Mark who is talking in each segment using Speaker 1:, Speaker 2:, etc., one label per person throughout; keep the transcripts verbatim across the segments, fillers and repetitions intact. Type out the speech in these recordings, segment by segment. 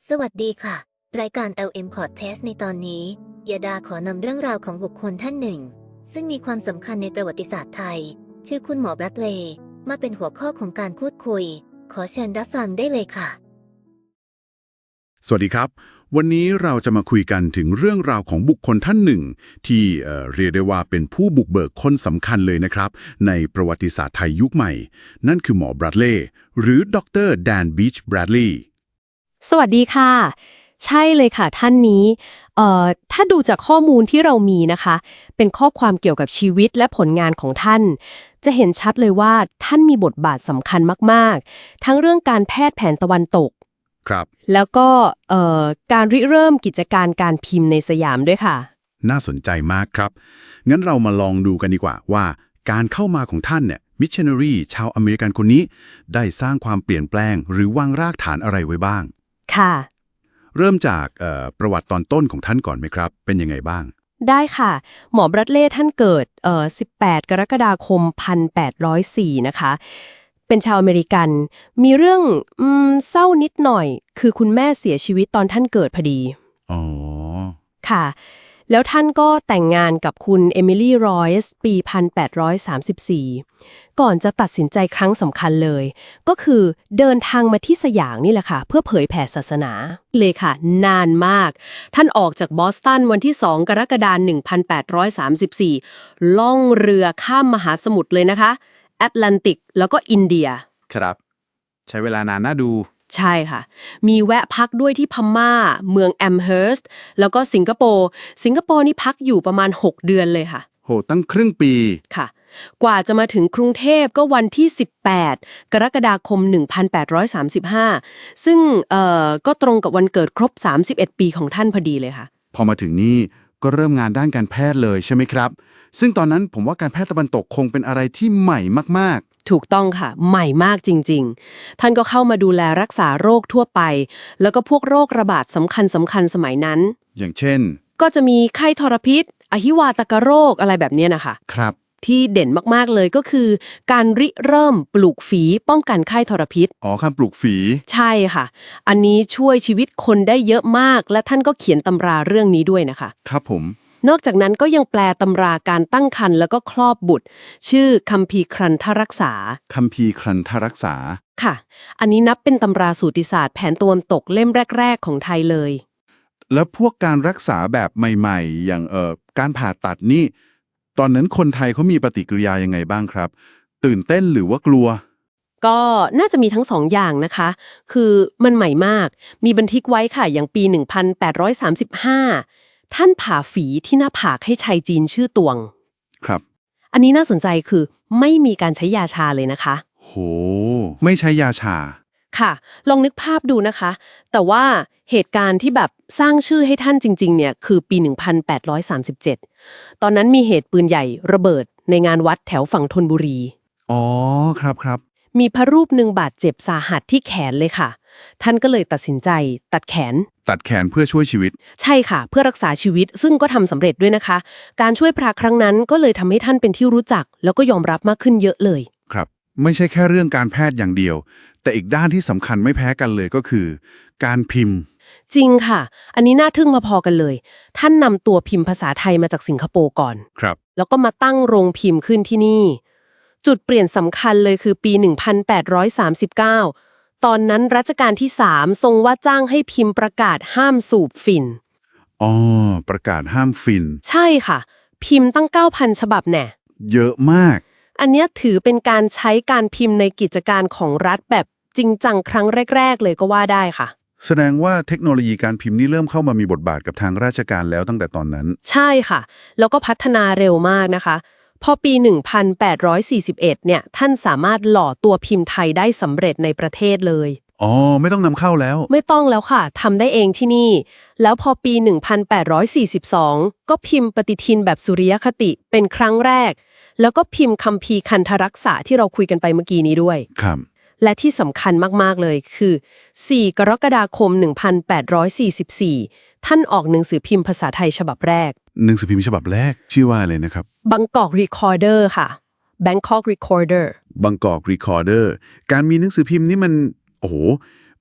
Speaker 1: สวัสดีค่ะ รายการ แอล เอ็ม Podcast ในตอนนี้ยาดาขอนำเรื่องราวของบุคคลท่านหนึ่ง ซึ่งมีความสำคัญในประวัติศาสตร์ไทย ชื่อคุณหมอบรัตเลย์มาเป็นหัวข้อของการพูดคุย ขอเชิญรับฟังได้เลยค่ะ
Speaker 2: สวัสดีครับ วันนี้เราจะมาคุยกันถึงเรื่องราวของบุคคลท่านหนึ่ง ที่เอ่อเรียกได้ว่าเป็นผู้บุกเบิกคนสำคัญเลยนะครับในประวัติศาสตร์ไทยยุคใหม่ นั่นคือหมอบรัตเลย์หรือดรแดนบีชแบรดลีย์
Speaker 3: สวัสดีค่ะ ใช่เลยค่ะท่านนี้เอ่อถ้าดูจากข้อมูลที่เรามีนะคะ เป็นข้อความเกี่ยวกับชีวิตและผลงานของท่าน จะเห็นชัดเลยว่าท่านมีบทบาทสำคัญมากๆ ทั้งเรื่องการแพทย์แผนตะวันตก
Speaker 2: ครับ
Speaker 3: แล้วก็เอ่อการริเริ่มกิจการการพิมพ์ในสยามด้วยค่ะ
Speaker 2: น่าสนใจมากครับ งั้นเรามาลองดูกันดีกว่าว่าการเข้ามาของท่านเนี่ยมิชชันนารีชาวอเมริกันคนนี้ได้สร้างความเปลี่ยนแปลงหรือวางรากฐานอะไรไว้บ้าง
Speaker 3: ค่ะ
Speaker 2: เริ่มจากเอ่อประวัติตอนต้นของท่านก่อนไหมครับ เป็นยังไงบ้าง
Speaker 3: ได้ค่ะ หมอบรัตเล่ท่านเกิดเอ่อสิบแปด กรกฎาคม หนึ่งพันแปดร้อยสี่ นะคะ เป็นชาวอเมริกัน มีเรื่องอืมเศร้านิดหน่อย คือคุณแม่เสียชีวิตตอนท่านเกิดพอดี
Speaker 2: อ๋อ
Speaker 3: ค่ะ แล้วท่านก็แต่งงานกับคุณเอมิลี่รอยส์ปี หนึ่งพันแปดร้อยสามสิบสี่ ก่อนจะตัดสินใจครั้งสำคัญเลย ก็คือเดินทางมาที่สยามนี่แหละค่ะ เพื่อเผยแผ่ศาสนา เลยค่ะ นานมาก ท่านออกจากบอสตันวันที่ สอง กรกฎาคม หนึ่งพันแปดร้อยสามสิบสี่ ล่องเรือข้ามมหาสมุทรเลยนะคะ แอตแลนติกแล้วก็อินเดีย
Speaker 4: ครับ ใช้เวลานานน่าดู
Speaker 3: ใช่ค่ะ มีแวะพักด้วยที่พม่า เมืองแอมเฮิร์สต์แล้วก็สิงคโปร์ สิงคโปร์นี่พักอยู่ประมาณ หก เดือนเลยค่ะ
Speaker 4: โห ตั้งครึ่งปี
Speaker 3: ค่ะ กว่าจะมาถึงกรุงเทพก็วันที่ สิบแปด กรกฎาคม หนึ่งพันแปดร้อยสามสิบห้า ซึ่งเอ่อก็ตรงกับวันเกิดครบ สามสิบเอ็ด ปีของท่านพอดีเลยค่ะ
Speaker 4: พอมาถึงนี่ก็เริ่มงานด้านการแพทย์เลยใช่ไหมครับ ซึ่งตอนนั้นผมว่าการแพทย์ตะวันตกคงเป็นอะไรที่ใหม่มาก
Speaker 3: ถูกต้องค่ะ ใหม่มากจริงๆ ท่านก็เข้ามาดูแลรักษาโรคทั่วไป แล้วก็พวกโรคระบาดสำคัญสำคัญสมัยนั้น
Speaker 4: ๆ อย่างเช่น
Speaker 3: ก็จะมีไข้ทรพิษ อหิวาตกโรคอะไรแบบเนี้ยนะคะ
Speaker 4: ครับ
Speaker 3: ที่เด่นมากๆเลยก็คือ การริเริ่มปลูกฝีป้องกันไข้ทรพิษ
Speaker 4: อ๋อคำปลูกฝี
Speaker 3: ใช่ค่ะ อันนี้ช่วยชีวิตคนได้เยอะมาก และท่านก็เขียนตำราเรื่องนี้ด้วยนะคะ
Speaker 4: ครับผม
Speaker 3: นอกจากนั้นก็ยังแปลตำราการตั้งครรภ์แล้วก็คลอดบุตร ชื่อคัมภีร์ครันทรักษา
Speaker 4: คัมภีร์ครันทรักษา
Speaker 3: ค่ะ อันนี้นับเป็นตำราสูติศาสตร์แผนตะวันตกเล่มแรก ๆ ของไทยเลย
Speaker 4: แล้วพวกการรักษาแบบใหม่ๆ อย่างเอ่อการผ่าตัดนี่ ตอนนั้นคนไทยเขามีปฏิกิริยายังไงบ้างครับ ตื่นเต้นหรือว่ากลัว
Speaker 3: ก็น่าจะมีทั้งสองอย่างนะคะ คือมันใหม่มาก มีบันทึกไว้ค่ะ อย่างปี หนึ่งพันแปดร้อยสามสิบห้า ท่านผ่าฝีที่หน้าผากให้ชายจีนชื่อตวง
Speaker 4: ครับ
Speaker 3: อันนี้น่าสนใจคือไม่มีการใช้ยาชาเลยนะคะ
Speaker 4: โห ไม่ใช้ยาชา
Speaker 3: ค่ะ ลองนึกภาพดูนะคะ แต่ว่าเหตุการณ์ที่แบบสร้างชื่อให้ท่านจริงๆ เนี่ย คือปี หนึ่งพันแปดร้อยสามสิบเจ็ด ตอนนั้นมีเหตุปืนใหญ่ระเบิดในงานวัดแถวฝั่งธนบุรี
Speaker 4: อ๋อ ครับครับ
Speaker 3: มีพระรูปหนึ่งบาดเจ็บสาหัสที่แขนเลยค่ะ ท่านก็เลยตัดสินใจตัดแขน
Speaker 4: ตัดแขนเพื่อช่วยชีวิต
Speaker 3: ใช่ค่ะ เพื่อรักษาชีวิตซึ่งก็ทำสำเร็จด้วยนะคะ การช่วยพระครั้งนั้นก็เลยทำให้ท่านเป็นที่รู้จัก แล้วก็ยอมรับมากขึ้นเยอะเลย
Speaker 4: ครับ ไม่ใช่แค่เรื่องการแพทย์อย่างเดียว แต่อีกด้านที่สำคัญไม่แพ้กันเลยก็คือ การพิมพ์
Speaker 3: จริงค่ะ อันนี้น่าทึ่งมาพอกันเลย ท่านนำตัวพิมพ์ภาษาไทยมาจากสิงคโปร์ก่อน
Speaker 4: ครับ
Speaker 3: แล้วก็มาตั้งโรงพิมพ์ขึ้นที่นี่ จุดเปลี่ยนสำคัญเลยคือปี หนึ่งพันแปดร้อยสามสิบเก้า ตอนนั้นรัชกาลที่ สาม ทรงว่าจ้างให้พิมพ์ประกาศห้ามสูบฝิ่น
Speaker 4: อ๋อ ประกาศห้ามฟิน
Speaker 3: ใช่ค่ะ พิมพ์ตั้ง เก้าพัน ฉบับแน่
Speaker 4: เยอะมาก
Speaker 3: อันเนี้ยถือเป็นการใช้การพิมพ์ในกิจการของรัฐแบบจริงจังครั้งแรก ๆ เลยก็ว่าได้ค่ะ
Speaker 4: แสดงว่าเทคโนโลยีการพิมพ์นี่เริ่มเข้ามามีบทบาทกับทางราชการแล้วตั้งแต่ตอนนั้น
Speaker 3: ใช่ค่ะ แล้วก็พัฒนาเร็วมากนะคะ พอปี หนึ่งพันแปดร้อยสี่สิบเอ็ด เนี่ย ท่านสามารถหล่อตัวพิมพ์ไทยได้สำเร็จในประเทศเลย
Speaker 4: อ๋อ ไม่ต้องนำเข้าแล้ว
Speaker 3: ไม่ต้องแล้วค่ะ ทำได้เองที่นี่ แล้วพอปี หนึ่งพันแปดร้อยสี่สิบสอง ก็พิมพ์ปฏิทินแบบสุริยคติเป็นครั้งแรก แล้วก็พิมพ์คัมภีร์คันธรักษาที่เราคุยกันไปเมื่อกี้นี้ด้วย
Speaker 4: ครับ
Speaker 3: และที่สำคัญมากๆเลยคือ สี่ กรกฎาคม หนึ่งพันแปดร้อยสี่สิบสี่ ท่านออกหนังสือพิมพ์ภาษาไทยฉบับแรก
Speaker 4: หนังสือพิมพ์ฉบับแรกชื่อว่าอะไรนะครับ
Speaker 3: Bangkok Recorder ค่ะ Bangkok Recorder
Speaker 4: บางกอกรีคอร์เดอร์ การมีหนังสือพิมพ์นี่มัน โอ้โห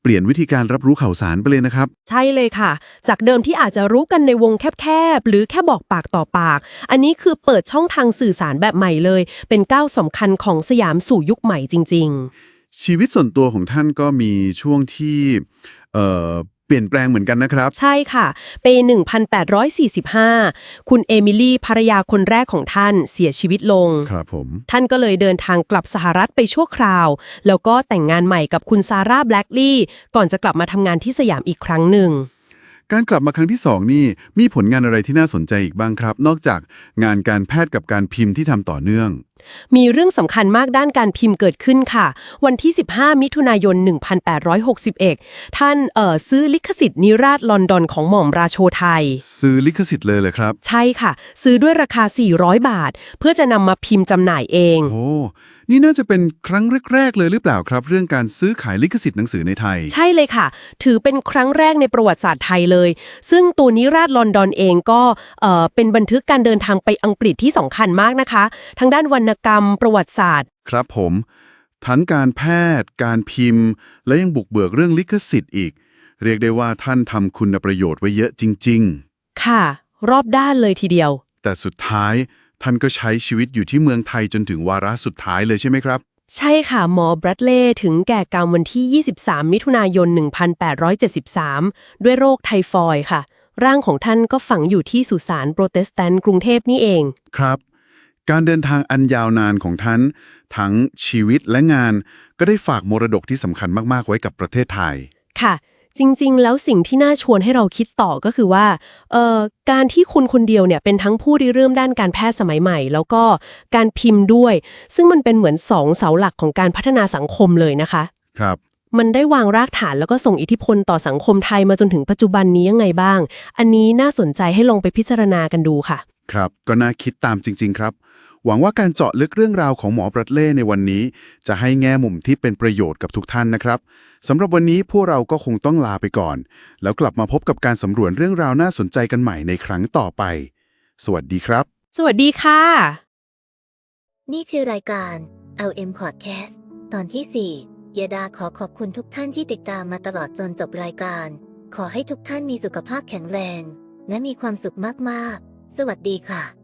Speaker 4: เปลี่ยนวิธีการรับรู้ข่าวสารไปเลยนะครับ
Speaker 3: ใช่เลยค่ะ จากเดิมที่อาจจะรู้กันในวงแคบๆ หรือแค่บอกปากต่อปาก อันนี้คือเปิดช่องทางสื่อสารแบบใหม่เลย เป็นก้าวสำคัญของสยามสู่ยุคใหม่จริงๆ
Speaker 4: ชีวิตส่วนตัวของท่านก็มีช่วงที่เอ่อเปลี่ยนแปลงเหมือนกันนะครับ
Speaker 3: ใช่ค่ะ ปี หนึ่งพันแปดร้อยสี่สิบห้า คุณเอมิลี่ภรรยาคนแรกของท่านเสียชีวิตลง
Speaker 4: ครับผม
Speaker 3: ท่านก็เลยเดินทางกลับสหรัฐไปชั่วคราว แล้วก็แต่งงานใหม่กับคุณซาร่าแบล็กลีย์ก่อนจะกลับมาทำงานที่สยามอีกครั้งหนึ่ง
Speaker 4: การกลับมาครั้งที่สองนี่มีผลงานอะไรที่น่าสนใจอีกบ้างครับ นอกจากงานการแพทย์กับการพิมพ์ที่ทำต่อเนื่อง
Speaker 3: มีเรื่องสำคัญมากด้านการพิมพ์เกิดขึ้นค่ะ วันที่ สิบห้า มิถุนายน หนึ่งพันแปดร้อยหกสิบเอ็ด ท่านเอ่อซื้อลิขสิทธิ์นิราศลอนดอนของหม่อมราโชไทย
Speaker 4: ซื้อลิขสิทธิ์เลยเลยครับ
Speaker 3: ใช่ค่ะ ซื้อด้วยราคา สี่ร้อย บาท เพื่อจะนำมาพิมพ์จำหน่ายเอง
Speaker 4: โอ้ นี่น่าจะเป็นครั้งแรกๆเลยหรือเปล่าครับ เรื่องการซื้อขายลิขสิทธิ์หนังสือในไทย
Speaker 3: ใช่เลยค่ะ ถือเป็นครั้งแรกในประวัติศาสตร์ไทยเลย ซึ่งตัวนิราศลอนดอนเองก็เอ่อเป็นบันทึกการเดินทางไปอังกฤษที่สำคัญมากนะคะ ทั้งด้านวรรณกรรม ประวัติศาสตร์
Speaker 4: ครับผม ทั้งการแพทย์ การพิมพ์ และยังบุกเบิกเรื่องลิขสิทธิ์อีก เรียกได้ว่าท่านทำคุณประโยชน์ไว้เยอะจริง
Speaker 3: ค่ะ รอบด้านเลยทีเดียว
Speaker 4: ๆ แต่สุดท้ายท่านก็ใช้ชีวิตอยู่ที่เมืองไทยจนถึงวาระสุดท้ายเลยใช่ไหมครับ
Speaker 3: ใช่ค่ะ หมอแบรดเลย์ถึงแก่กรรมวันที่ ยี่สิบสาม มิถุนายน หนึ่งพันแปดร้อยเจ็ดสิบสาม ด้วยโรคไทฟอยด์ค่ะ ร่างของท่านก็ฝังอยู่ที่สุสานโปรเตสแตนต์กรุงเทพนี่เอง
Speaker 4: ครับ การเดินทางอันยาวนานของท่านทั้งชีวิตและงานก็ได้ฝากมรดกที่สำคัญมากๆไว้กับประเทศไทย
Speaker 3: ค่ะ จริงๆ แล้วสิ่งที่น่าชวนให้เราคิดต่อก็คือว่าเอ่อการที่คุณคนเดียวเนี่ยเป็นทั้งผู้ริเริ่มด้านการแพทย์สมัยใหม่ แล้วก็การพิมพ์ด้วย ซึ่งมันเป็นเหมือนสองเสาหลักของการพัฒนาสังคมเลยนะคะ
Speaker 4: ครับ
Speaker 3: มันได้วางรากฐานแล้วก็ส่งอิทธิพลต่อสังคมไทยมาจนถึงปัจจุบันนี้ยังไงบ้าง อันนี้น่าสนใจให้ลองไปพิจารณากันดูค่ะ
Speaker 4: ครับ ก็น่าคิดตามจริง ๆ ครับ หวังว่าการเจาะลึกเรื่องราวของหมอแบรดเลย์ในวันนี้ จะให้แง่มุมที่เป็นประโยชน์กับทุกท่านนะครับสำหรับวันนี้พวกเราก็คงต้องลาไปก่อน แล้วกลับมาพบกับการสำรวจเรื่องราวน่าสนใจกันใหม่ในครั้งต่อไป สวัสดีครับ
Speaker 3: สวัสดีค่ะ
Speaker 1: นี่คือรายการ แอล เอ็ม Podcast ตอนที่ สี่ ยดาขอขอบคุณทุกท่านที่ติดตามมาตลอดจนจบรายการ ขอให้ทุกท่านมีสุขภาพแข็งแรง และมีความสุขมากๆ สวัสดีค่ะ